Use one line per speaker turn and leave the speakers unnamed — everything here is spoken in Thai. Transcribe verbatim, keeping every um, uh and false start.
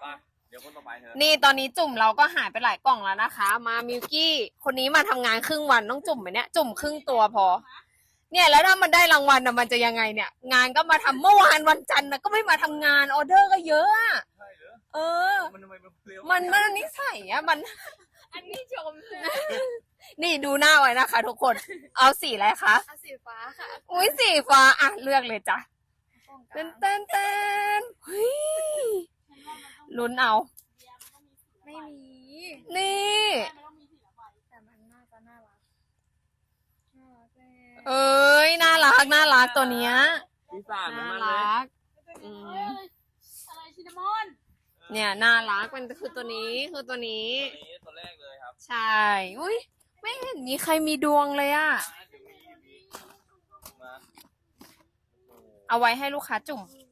เดี๋ยวคนต่อไปเถอะ
นี่ตอนนี้จุ่มเราก็หายไปหลายกล่องแล้วนะคะ มามิวกี้คนนี้มาทำงานครึ่งวันต้องจุ่มไหมเนี่ยจุ่มครึ่งตัวพอเนี่ยแล้วถ้ามันได้รางวัลนะมันจะยังไงเนี่ยงานก็มาทำเมื่อวานวันจันทร์นะก็ไม่มาทำงานออเดอร์ก็เยอะอะเออมันมันมันนิสัยอะมันอันนี้ชมนี่ดูหน้าไว้นะคะทุกคนเอาสีอะไรคะเอาสีฟ้าค่ะอุ้ยสีฟ้าอ่ะเลือกเลยจ้ะเต้นเต้นเต้นเฮ้ยลุ้นเอาไม่มีนี่แต่มันน่าจะน่ารักเอ้ยน่ารักน่ารักตัวเนี้ย
พี่สาน
น่า
มันเลย
รักอืม
อะไรชินามอน
เนี่ยน่ารักมันคือตัวนี้คือตัวนี้
ตัวนี้ตัวแรกเลยครับ
ใช่อุ้ยไม่เห็นมีใครมีดวงเลยอะเอาไว้ให้ลูกค้าจุ่ม
ม